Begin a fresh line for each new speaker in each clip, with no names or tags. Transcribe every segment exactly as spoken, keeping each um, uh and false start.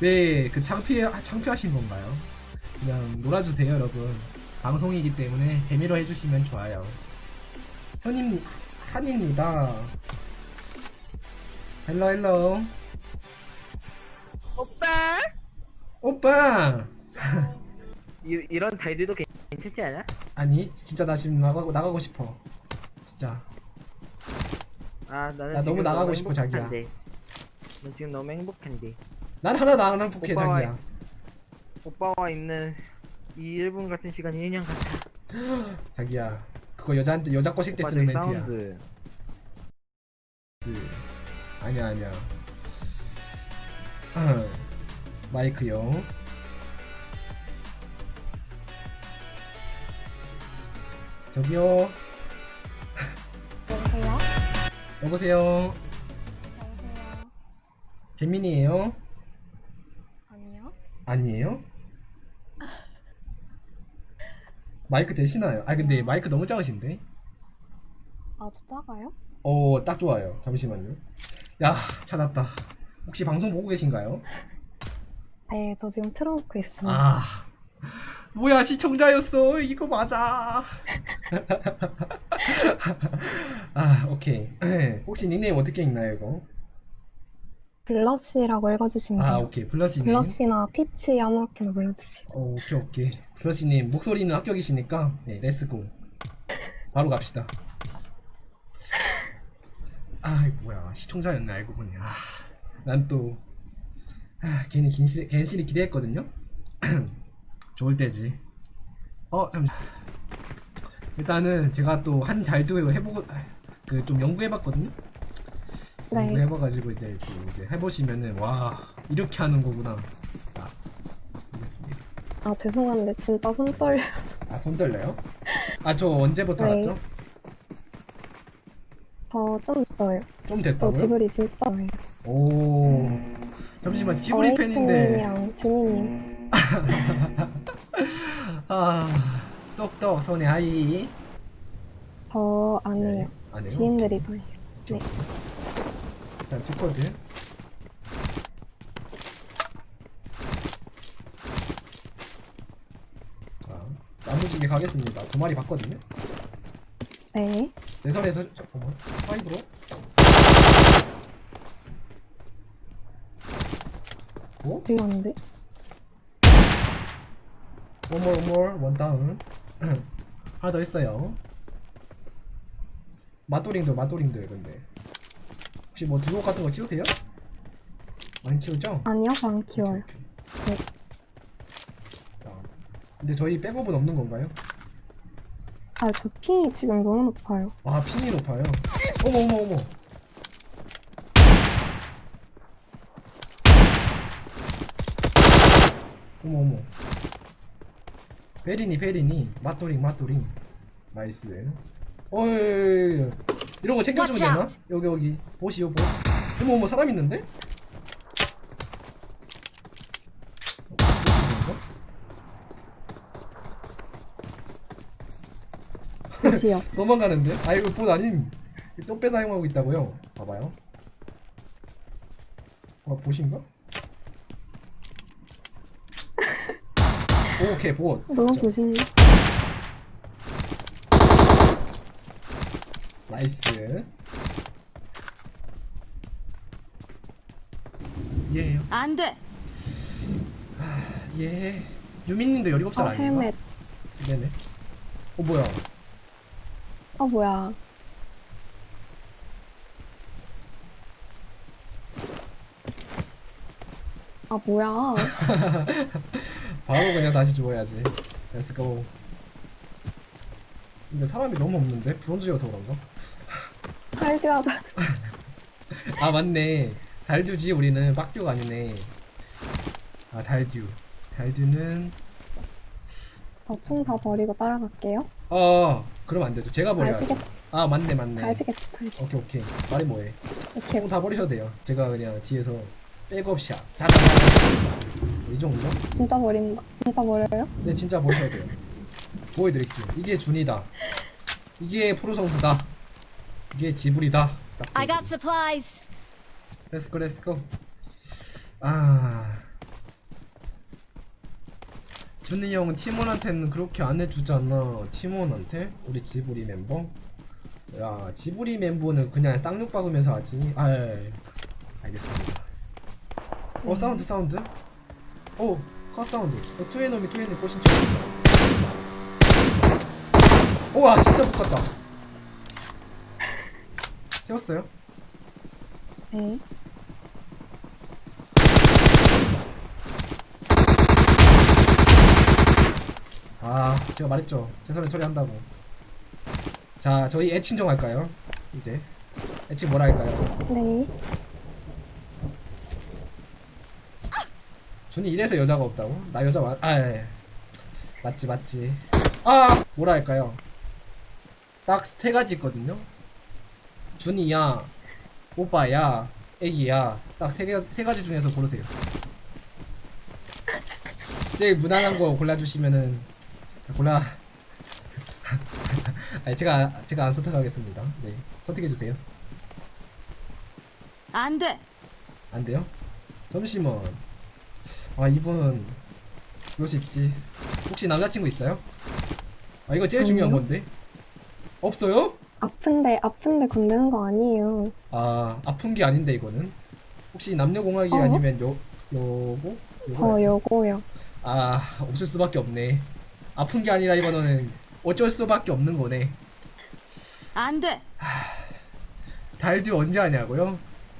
왜 그 창피 창피하신 건가요? 그냥 놀아주세요 여러분. 방송이기 때문에 재미로 해주시면 좋아요. 현임 한입니다. 헬로 헬로.
오빠?
오빠.
이, 이런 달들도 괜찮지 않아?
아니 진짜 나 지금 나가고 나가고 싶어. 진짜.
아 나는
나
지금
너무 나가고 싶어,
행복한데. 난 지금 너무 행복한데.
난 하나도 안 행복해
오빠와-
자기야.
오빠와 있는 이 일 분 같은 시간이 일 년 같아.
자기야 그거 여자한테 여자 꼬실 때
오빠
쓰는
저기
멘트야.
사운드.
그, 아니야 아니야. 어, 마이크요. 저기요.
여보세요?
여보세요.
여보세요?
재민이에요?
아니요?
아니에요? 마이크 되시나요? 아 근데 마이크 너무 작으신데?
아, 저 작아요?
어, 딱 좋아요. 잠시만요. 야, 찾았다. 혹시 방송 보고 계신가요?
네, 저 지금 틀어놓고 있습니다.
아, 뭐야, 시청자였어. 이거 맞아. 아, 오케이. 혹시 닉네임 어떻게 읽나요, 이거?
블러쉬라고 읽어주시면
아,
돼요.
오케이. 블러시님.
블러쉬나 피치 아무렇게나 불러주세요.
어, 오케이, 오케이. 블러시님, 목소리는 합격이시니까, 네, 렛츠고. 바로 갑시다. 아, 이거 뭐야. 시청자였네, 알고 보니. 아, 난 또, 아, 괜히 긴실, 괜시리 기대했거든요? 좋을 때지. 어, 잠시 일단은 제가 또 한 달도 해보고, 그 좀 연구해봤거든요?
네.
연구해봐가지고 이제, 또 이제 해보시면은, 와, 이렇게 하는 거구나. 아, 알겠습니다.
아, 죄송한데 진짜 손 떨려요.
아, 손 떨려요? 아, 저 언제부터
네.
알았죠?
저 좀 있어요.
좀
저
됐다고요?
지브리 진짜 좋아해요.
오, 잠시만, 지브리 팬인데.
어웨이팅님이랑 주니님.
아, 똑똑, 손에 하이.
저 안 해요.
안 해요?
지인들이 더 해요. 네.
일단 두코드. 자, 나무지게 가겠습니다. 두 마리 봤거든요?
네.
내 선에서, 잠깐만, 파이브로. 오?
들렸는데?
원몰, 원몰, 원다운. 하나 더 있어요. 마또링도, 마또링도, 근데. 혹시 뭐 주옥 같은 거 키우세요? 안 키우죠?
아니요, 저 안 키워요.
오케이, 오케이. 자, 근데 저희 백업은 없는 건가요?
아, 저 핑이 지금 너무 높아요.
아, 핑이 높아요. 어머, 어머, 어머. 어머, 어머. 베리니, 베리니. 맛도링, 맛도링. 나이스. 어이, 이런 거 챙겨주면
Watch
되나?
out.
여기, 여기. 보시오, 보. 어머, 어머, 사람 있는데?
보시요.
도망가는데? 아, 이거 봇 아님. 또 빼서 사용하고 있다고요? 봐봐요. 아, 보신가? 오케이, 봇.
너무 보시네.
나이스. 예요.
안 돼.
예. 유민님도 열일곱 살
어,
아닌가?
헬멧.
네네. 어, 뭐야.
어, 뭐야. 아, 뭐야.
바로 그냥 다시 죽어야지. 렛츠고. 근데 사람이 너무 없는데? 브론즈여서 그런가?
할드하다.
아, 맞네. 달듀지, 우리는. 빡듀가 아니네. 아, 달듀. 달듀는,
저 총 다 버리고 따라갈게요.
어, 그럼 안 되죠. 제가 버려야죠.
알지겠지.
아, 맞네, 맞네.
알지겠지, 알지.
오케이, 오케이. 말이 뭐해.
오케이.
총 다 버리셔도 돼요. 제가 그냥 뒤에서 백업샷. 다다다다. 이 정도?
진짜 버린다. 진짜 버려요?
네, 진짜 버려야 돼요. 보여드릴게요. 이게 준이다. 이게 프로성수다. 이게 지불이다. 딱
I got
보여드릴게요.
supplies.
렛츠고, 렛츠고. 아, 준이 형은 팀원한테는 그렇게 안 해주잖아. 팀원한테? 우리 지브리 멤버? 야, 지브리 멤버는 그냥 쌍욕 박으면서 하지. 아, 예, 예. 알겠습니다. 어, 사운드, 사운드. 오, 컷 사운드. 어, 투에너미, 투에너미 꼬신 척. 우와, 진짜 붙었다. 세웠어요?
네.
아, 제가 말했죠. 최선을 처리한다고. 자, 저희 애칭 좀 할까요? 이제 애칭 뭐라 할까요?
네.
준이 이래서 여자가 없다고? 나 여자 맞.. 아, 예. 맞지 맞지. 아! 뭐라 할까요? 딱 세 가지 있거든요? 준이야, 오빠야, 애기야. 딱 세 개, 세 가지 중에서 고르세요. 제일 무난한 거 골라주시면은 골라. 아니, 제가 제가 안 선택하겠습니다. 네, 선택해 주세요.
안 돼.
안 돼요? 잠시만. 아, 이분 그럴 수 있지. 혹시 남자친구 있어요? 아, 이거 제일 중요한
아니요.
건데. 없어요?
아픈데, 아픈데 건드는 거 아니에요.
아, 아픈 게 아닌데 이거는. 혹시 남녀공학이
어?
아니면 요 요거?
저 요거요.
아, 없을 수밖에 없네. 아픈 게 아니라 이거는 어쩔 수밖에 없는 거네.
안 돼.
달듀 언제 하냐고요?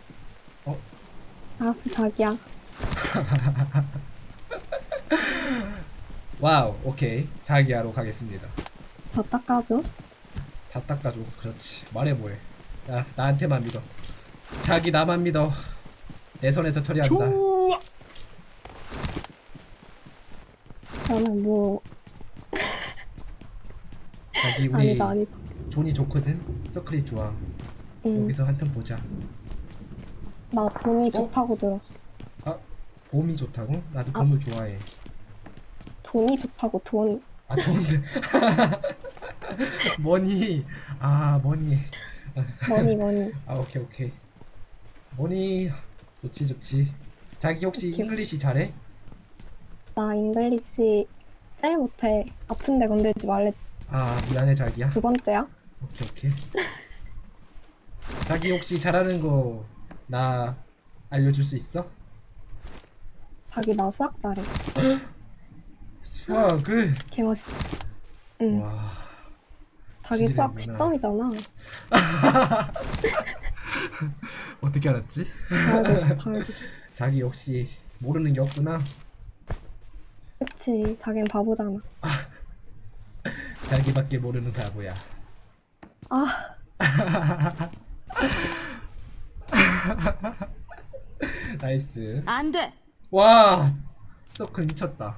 알았어, 자기야.
와우, 오케이. 자기야로 가겠습니다.
더 닦아줘.
다 닦아줘. 그렇지. 말해 뭐해. 야, 나한테만 믿어. 자기 나만 믿어. 내 손에서 처리한다.
좋아.
저는 뭐,
자기 우리
아니다, 아니다.
존이 좋거든. 서클이 좋아.
응.
여기서 한턴 보자.
나 돈이
어?
좋다고 들었어.
아, 봄이 좋다고? 나도
아.
봄을 좋아해.
돈이 좋다고, 돈.
아, 돈들. 머니. 아, 머니.
머니, 머니.
아, 오케이, 오케이. 머니. 좋지, 좋지. 자기 혹시
오케이.
잉글리시 잘해?
나 잉글리시 제일 못해. 아픈데 건들지 말랬지.
아, 미안해, 자기야.
두 번째야?
오케이, 오케이. 자기 혹시 잘하는 거 나 알려줄 수 있어?
자기 나 수학 잘해.
수학을?
개멋있어. 응.
와.
자기 수학
지지배구나.
십 점이잖아.
어떻게 알았지?
다 알고 있어, 다 알고 있어.
자기 역시 모르는 게 없구나.
그치, 자긴 바보잖아.
자기밖에 모르는 바보야.
아,
나이스.
안 돼.
와, 서클 미쳤다.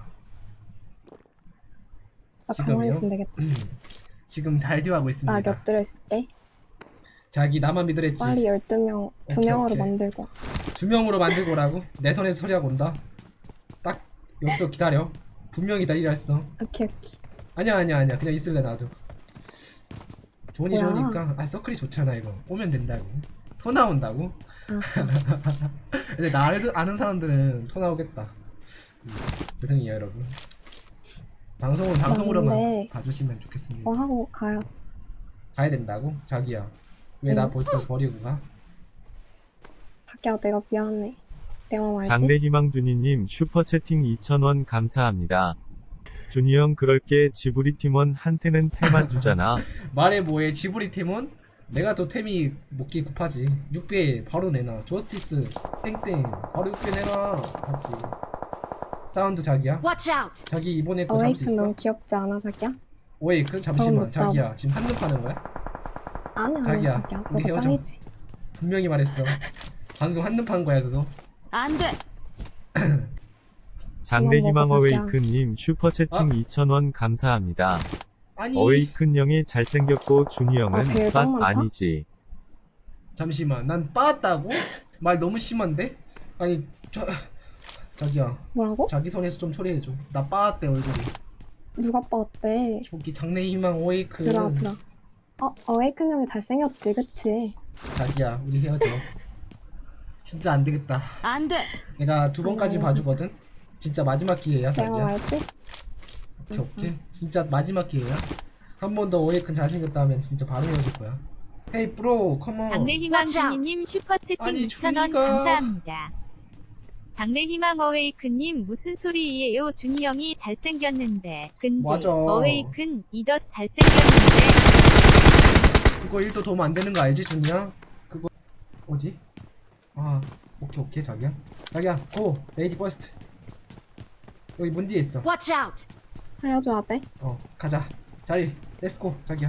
진짜
지금요?
가만히 있으면 되겠다.
지금 달듀 하고
나
있습니다.
곁들여 있을게.
자기 나만 믿으랬지.
빨리 열두 명, 두
오케이,
명으로
오케이.
만들고.
두 명으로 만들고라고? 내 손에서 소리하고 온다. 딱 여기서 기다려. 분명히 기다리라 했어.
오케이, 오케이.
아니야, 아니야, 아니야. 그냥 있을래 나도. 존이
뭐야?
좋으니까. 아, 서클이 좋잖아 이거. 오면 된다고. 토 나온다고?
아,
근데 나 알- 아는 사람들은 토 나오겠다. 음, 죄송해요 여러분. 방송은 방송으로만
근데
봐주시면 좋겠습니다.
뭐 하고 가요?
가야 된다고? 자기야, 왜 나
응.
벌써 버리고 가?
자기야, 내가 미안해. 내 맘 알지?
장래희망준이님 슈퍼채팅 이천 원 감사합니다. 준이 형 그럴게 지브리 팀원 한테는 태만 주잖아.
말해 뭐해. 지브리 팀은 내가 더 템이 먹기 급하지. 육 배 바로 내놔. 저스티스 땡땡 바로 육 배 내놔. 같이. 사운드 자기야.
Watch out.
자기 이번에 거 잡을 수
어웨이큰
있어?
너무 귀엽지 않아, 자기야?
오웨이큰?
저건
잠시만
못 잡아.
자기야, 지금 한눈 파는 거야?
아니, 아니,
자기야,
자기야.
우리
너가
헤어져.
짱이지.
분명히 말했어. 방금 한눈 판 거야 그거.
안 돼.
장래희망
먹어, 자기야.
어웨이큰님 슈퍼채팅
아.
이천 원 감사합니다.
아니
어웨이큰 형이 잘생겼고 준이
아,
형은
배가
빤
많다?
아니지.
잠시만, 난 빠았다고? 말 너무 심한데? 아니 저 자기야,
뭐라고?
자기 선에서 좀 처리해줘. 나 빠았대 얼굴이.
누가 빠었대?
저기 장래희망 오웨이큰.
들어, 들어. 어, 어웨이큰 형이 잘생겼지, 그치?
자기야, 우리 헤어져. 진짜 안 되겠다.
안 돼.
내가 두 번까지
아니,
봐주거든. 진짜 마지막 기회야
내 맘
자기야.
알지?
오케이 오케이. 진짜 마지막 기회야. 한 번 더 오해큰 잘생겼다 하면 진짜 바로 헤어질 거야. 헤이 브로 컴온.
장래희망
Watch out.
준이님 슈퍼채팅
아니,
이천 원
준이가.
감사합니다. 장래희망 어웨이큰님 무슨 소리예요? 준이 형이 잘생겼는데. 근데
맞아.
어웨이큰 이덧 잘생겼는데.
그거 일도 도움 안 되는 거 알지 준이야? 그거 뭐지? 아 오케이 오케이 자기야. 자기야 고 레이디 퍼스트. 여기 문 뒤에 있어.
Watch out!
알려줘야 돼.
어 가자. 자리 렛츠고 자기야.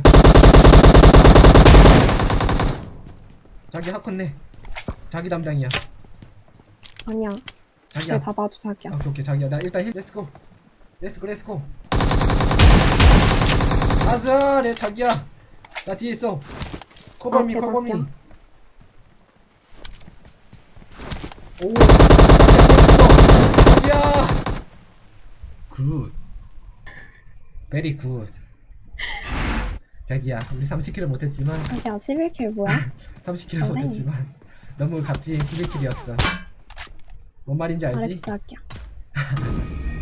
자기 하컨네. 자기 담당이야.
아니야.
자기야.
쟤다 봐줘 자기야.
오케이 오케이 자기야. 나 일단 힐 렛츠고. 렛츠고 렛츠고. 아자 내 자기야. 나 뒤에 있어. 커버미
오케이,
커버미.
자기야.
오 자기야. 자기야. 굿. 베리 굿. 자기야 우리 삼십 킬을 못했지만
자기야 십일 킬 뭐야?
삼십 킬을
잘해.
못했지만 너무 값진 십일 킬이었어. 뭔 말인지 알지?
알았어 자기야.